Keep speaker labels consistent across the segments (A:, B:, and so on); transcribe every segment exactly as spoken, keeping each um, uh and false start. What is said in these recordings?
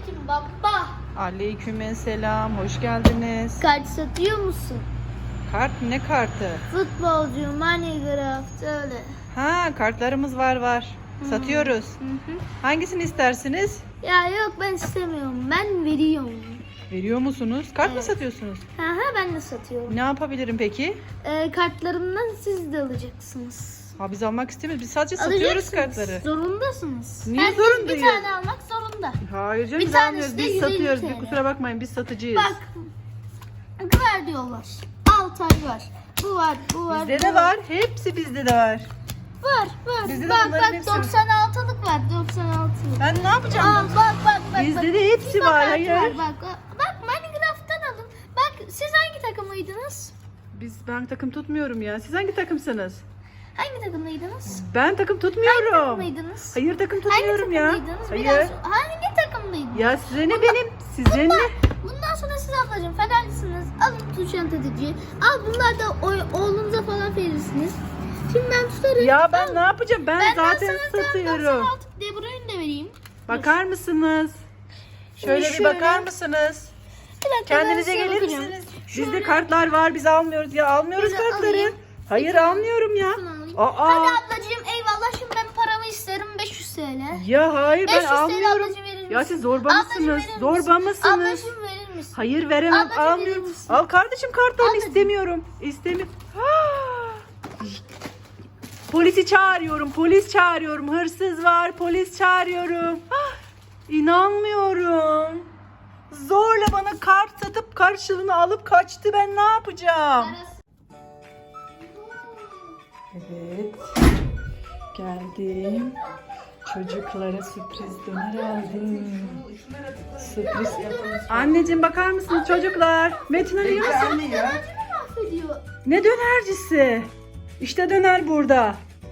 A: Selamünaleyküm baba.
B: Aleykümselam, hoş geldiniz.
A: Kart satıyor musun?
B: Kart ne kartı?
A: Futbolcu, Minecraft öyle.
B: Ha, kartlarımız var var. Satıyoruz.
A: Hı hı.
B: Hangisini istersiniz?
A: Ya yok ben istemiyorum. Ben veriyorum.
B: Veriyor musunuz? Kart mı
A: Evet.
B: satıyorsunuz?
A: Ha ha ben de satıyorum.
B: Ne yapabilirim peki?
A: Ee, kartlarımdan siz de alacaksınız.
B: Ha, biz almak istemiyoruz. Biz sadece satıyoruz
A: Alacaksınız.
B: kartları.
A: Zorundasınız.
B: Niye
A: Herkes
B: zorundayız?
A: bir tane almak zorunda.
B: Hayır canım,
A: Bir
B: biz
A: tanesi
B: almıyoruz.
A: de
B: Biz
A: yüz elli
B: satıyoruz.
A: T L.
B: Bir kusura bakmayın, biz satıcıyız.
A: Bak. Ver diyorlar. altı ay var. Bu var, bu var.
B: Bizde
A: bu
B: de var. Hepsi bizde de var.
A: Var, var.
B: Bizde de
A: bak
B: bunların
A: bak
B: hepsi var.
A: doksan altılık var, doksan altılık.
B: Ben ne yapacağım?
A: Aa, bak bak bak.
B: Bizde
A: bak.
B: de hepsi
A: FIFA
B: var,
A: kartı
B: hayır.
A: Var, bak, bak Minecraft'tan alın. Bak siz hangi takımlıydınız?
B: Biz ben takım tutmuyorum ya. Siz hangi takımsınız?
A: Hangi takımlıydınız?
B: Ben takım
A: Hangi
B: tutmuyorum.
A: takımlıydınız?
B: Hayır, takım
A: Hangi
B: tutmuyorum ya.
A: takımlıydınız?
B: Hayır.
A: Biraz hangi takımlıydınız?
B: Ya size ne benim? Size ne?
A: Bundan sonra siz ablacığım Fenerlisiniz. Alın tuşan tetici. Al bunlar da o- oğlunuza falan verirsiniz. Şimdi ben tutarım.
B: Ya ben ne yapacağım? Ben,
A: Ben
B: zaten
A: sana
B: satıyorum.
A: doksan altı De Bruyne de vereyim.
B: Bakar mısınız? Şöyle bir
A: şöyle.
B: bakar mısınız?
A: Bir dakika, ben
B: Kendinize
A: size
B: gelir
A: bakacağım.
B: misiniz?
A: Şöyle.
B: Bizde kartlar var, biz almıyoruz ya. Almıyoruz
A: Şöyle
B: kartları.
A: alayım.
B: Hayır, almıyorum ya.
A: Şunu alayım.
B: Aa.
A: Hadi ablacığım eyvallah şimdi ben paramı isterim beş yüz T L.
B: Ya hayır,
A: beş yüz
B: ben
A: T L
B: almıyorum.
A: ablacığım verir misin?
B: Ya siz zorba
A: Ablacığım
B: mısınız?
A: verir misin?
B: Zorba mısınız?
A: Ablacığım verir misin?
B: Hayır, veremem,
A: Ablacığım verir
B: almıyorum.
A: misin?
B: Al kardeşim kartlarını,
A: Ablacığım.
B: istemiyorum. İstemiyorum. Polisi çağırıyorum, polis çağırıyorum. Hırsız var, polis çağırıyorum. Ah, İnanmıyorum. Zorla bana kart satıp karşılığını alıp kaçtı. Ben ne yapacağım? Evet. Geldim. Çocuklara sürpriz döner aldım. Sürpriz. Anneciğim bakar mısınız çocuklar? Metin Ali yok.
A: Dönerci mi mahvediyor?
B: Ne dönercisi? İşte döner burada.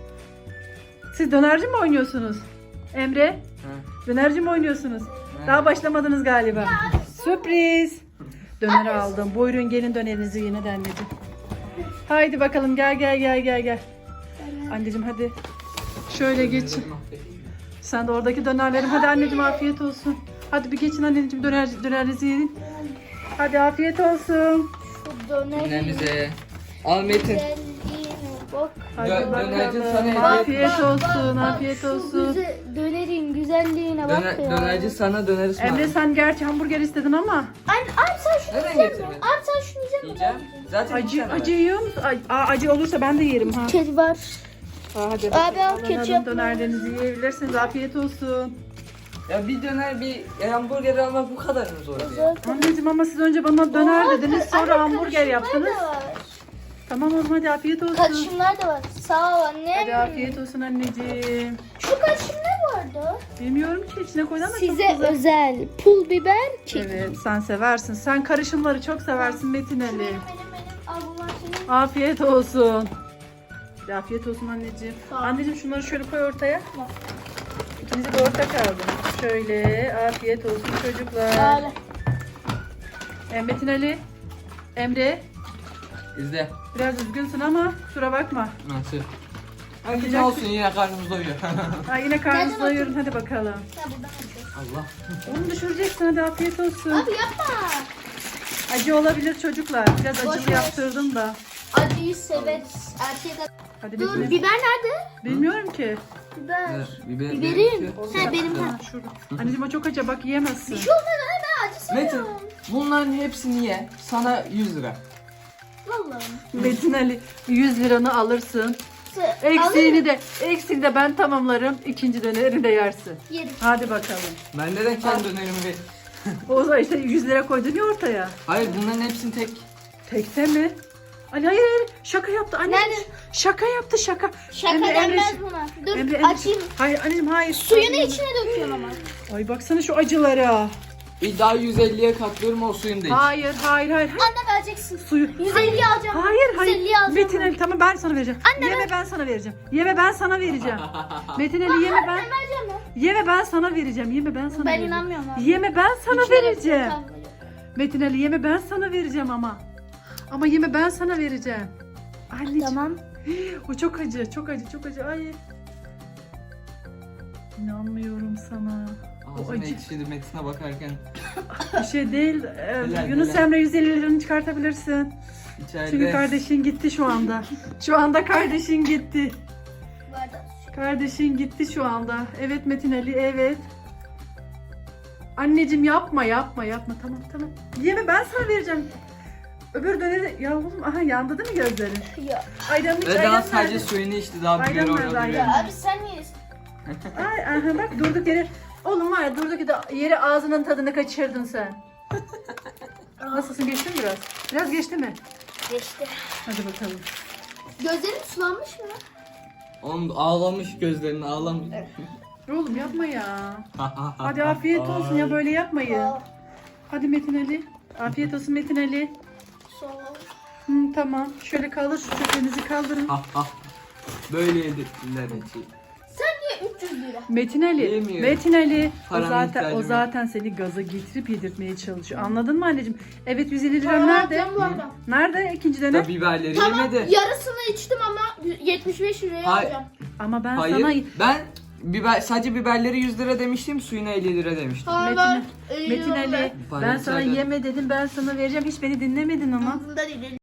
B: Siz dönerci mi oynuyorsunuz? Emre?
C: Hı.
B: Dönerci mi oynuyorsunuz?
C: Hı.
B: Daha başlamadınız galiba. Sürpriz. Döner aldım. Buyurun gelin dönerinizi yine de anneciğim. Haydi bakalım, gel gel gel gel gel. Anneciğim hadi. Şöyle geç. Sen de oradaki dönerlerim. Hadi anneciğim afiyet olsun. Hadi bir geçin anneciğim, döner, dönerinizi yiyin. Hadi afiyet olsun.
A: Şu dönerin
C: Annemize. Al Metin.
A: güzelliğine bak.
B: Hadi
C: Dö- dönerci sana
B: bakalım.
C: hediye
B: Afiyet
C: etmiş.
B: olsun,
A: Bak,
B: afiyet
A: şu
B: olsun.
A: güze- dönerin güzelliğine bak
C: Döner,
A: ya.
C: dönerci sana döner ısmarladı.
B: Emre sen gerçi hamburger istedin ama
A: Anne, abi sen şunu
C: Neden
A: yiyecek misin?
C: getirdin?
A: Abi sen şunu yiyecek misin?
C: Yiyeceğim. Zaten
B: acı
C: yiyeceğim
B: acı yiyor musun? Ay, aa, acı olursa ben de yerim ha.
A: Kedi var.
B: Aa, hadi
A: Abi, al
B: bakalım. Alın,
A: ketçap.
B: alın, dönerlerinizi yiyebilirsiniz. Afiyet olsun.
C: ben. Ya bir döner bir hamburger almak bu kadar mı zor ya?
A: Zaten.
B: Anneciğim ama siz önce bana döner dediniz, sonra
A: Anne,
B: hamburger
A: karışımlar
B: yaptınız.
A: da var.
B: Tamam oğlum, hadi afiyet olsun.
A: Karışımlar da var. Sağ ol anne.
B: Hadi afiyet olsun anneciğim.
A: Şu karışım ne vardı?
B: Bilmiyorum ki, içine koydun ama çok
A: Size
B: güzel.
A: özel pul biber kek.
B: Evet, sen seversin. Sen karışımları çok seversin Metin Ali.
A: Benim benim benim. Al bunlar senin.
B: Afiyet olsun. Hadi afiyet olsun anneciğim.
A: Sağ ol.
B: Anneciğim şunları şöyle koy ortaya. İkinize de ortak aldım. Şöyle afiyet olsun çocuklar.
A: Öyle.
B: E, Metin Ali, Emre,
C: İzle.
B: biraz üzgünsün ama kusura bakma.
C: Nasıl? Hadi ne olsun yine karnımız doyuyor.
B: Ha, yine karnınızı
A: Nereden
B: doyurun, hadi bakalım.
A: Ya buradan alacağız.
C: Allah.
B: Onu düşüreceksin, hadi afiyet olsun.
A: Abi yapma.
B: Acı olabilir çocuklar. Biraz
A: Boş
B: acılı
A: ver.
B: yaptırdım da.
A: Acıyı severiz. Erkek ad-
B: Hadi
A: Dur
B: Metin Ali.
A: biber nerede?
B: Bilmiyorum ki.
A: Biber.
C: Biber,
A: Biberim.
C: biber-
A: He benim
B: Ha,
A: ha.
B: şurada. Anneciğim o çok acı, bak yiyemezsin.
A: Şu olmadı ben acı
C: Metin
A: seviyorum.
C: bunların hepsini ye. Sana yüz lira.
A: Vallahi.
B: Metin Ali yüz liranı alırsın.
A: Se-
B: Eksiğini
A: alırım.
B: de eksiğini de ben tamamlarım. İkinci dönerini de yersin.
A: Yerim.
B: Hadi bakalım.
C: Ben neden kendi dönerimi ver?
B: O zaman işte yüz lira koydun ya ortaya.
C: Hayır bunların hepsini tek.
B: Tekte mi? Ali hayır hayır, şaka yaptı anne.
A: Nerede?
B: Şaka yaptı şaka.
A: Şaka
B: Emre,
A: denmez
B: Emre,
A: buna. Dur
B: Emre, Emre.
A: açayım.
B: Hayır anneciğim hayır.
A: Suyunu
B: Hayır.
A: içine döküyorum ama.
B: Ay baksana şu acılara.
C: Bir daha yüz elliye katlıyorum o suyunu da iç.
B: Hayır hayır hayır. hayır.
A: Anne vereceksin.
B: Suyu.
A: yüz elli alacağım.
B: Hayır hayır.
A: yüz elli alacağım.
B: Metin Ali tamam, ben sana vereceğim.
A: Anne,
B: yeme ben sana vereceğim. Yeme ben sana vereceğim. Metin Ali yeme ben.
A: Ben vereceğim ya.
B: Yeme ben sana vereceğim. Yeme ben sana
A: Ben
B: vereceğim.
A: inanmıyorum abi.
B: Yeme ben sana
A: İçine
B: vereceğim.
A: döküyorum.
B: Metin Ali yeme ben sana vereceğim ama. Ama yeme ben sana vereceğim. Anneciğim.
A: Tamam.
B: O çok acı, çok acı, çok acı. Ay. İnanmıyorum sana. O
D: Ağzım
B: acı.
D: ekşidi Metin'e bakarken.
B: Bir şey değil. Ee,
D: Helal,
B: Yunus
D: helal.
B: Emre yüz elli liranı çıkartabilirsin.
D: İçeride.
B: Çünkü kardeşin gitti şu anda. Şu anda kardeşin gitti.
A: Bu arada
B: Kardeşin gitti şu anda. Evet Metin Ali, evet. Anneciğim yapma, yapma, yapma. Tamam, tamam. Yeme, ben sana vereceğim. Öbür döneri... Ya oğlum, aha yandı değil mi gözlerin?
A: ya.
B: Ayranın iç,
D: Ve
B: ayran
D: daha sadece
B: nerede?
D: suyunu içti, daha
B: Ayran
D: biber
B: nerede,
D: orada
B: ayran?
D: duruyor.
A: Ya abi sen niye?
B: Ay, aha bak durduk yere... Oğlum var ya durduk yere, yere ağzının tadını kaçırdın sen. Nasılsın, geçti mi biraz? Biraz geçti mi?
A: Geçti.
B: Hadi bakalım.
A: Gözlerin sulanmış mı?
D: Oğlum ağlamış, gözlerini ağlamış.
B: Oğlum yapma ya. Hadi afiyet olsun ya, böyle yapmayın.
A: Aa,
B: Hadi Metin Ali. Afiyet olsun Metin Ali.
A: sağ ol.
B: Hı, tamam. Şöyle kaldır, şu çöplerinizi kaldırın.
D: Ha ha. Böyle yedirttiler içi.
A: Sen niye üç yüz lira?
B: Metin Ali.
D: Yemiyorum.
B: Metin Ali. O
D: Paranın
B: zaten
D: ihtiyacım
B: o
D: yok.
B: zaten seni gaza getirip yedirtmeye çalışıyor. Anladın mı anneciğim? Evet yüz elli lira
A: Tamam,
B: nerede?
A: alacağım bu arada.
B: Nerede ikinci dönem?
D: Da biberleri
A: Tamam
D: yemedi.
A: yarısını içtim ama yetmiş beş liraya
D: Hayır.
A: alacağım.
B: Ama ben
D: Hayır.
B: sana
D: Ben biber sadece biberleri yüz lira demiştim, suyuna elli lira demiştim.
A: Hayır,
B: Metin,
A: ben elli
B: Metin
A: lira
B: Ali
A: ver.
B: ben sana
D: içeride.
B: yeme dedim, ben sana vereceğim. Hiç beni dinlemedin ama.
A: Aklımda değil.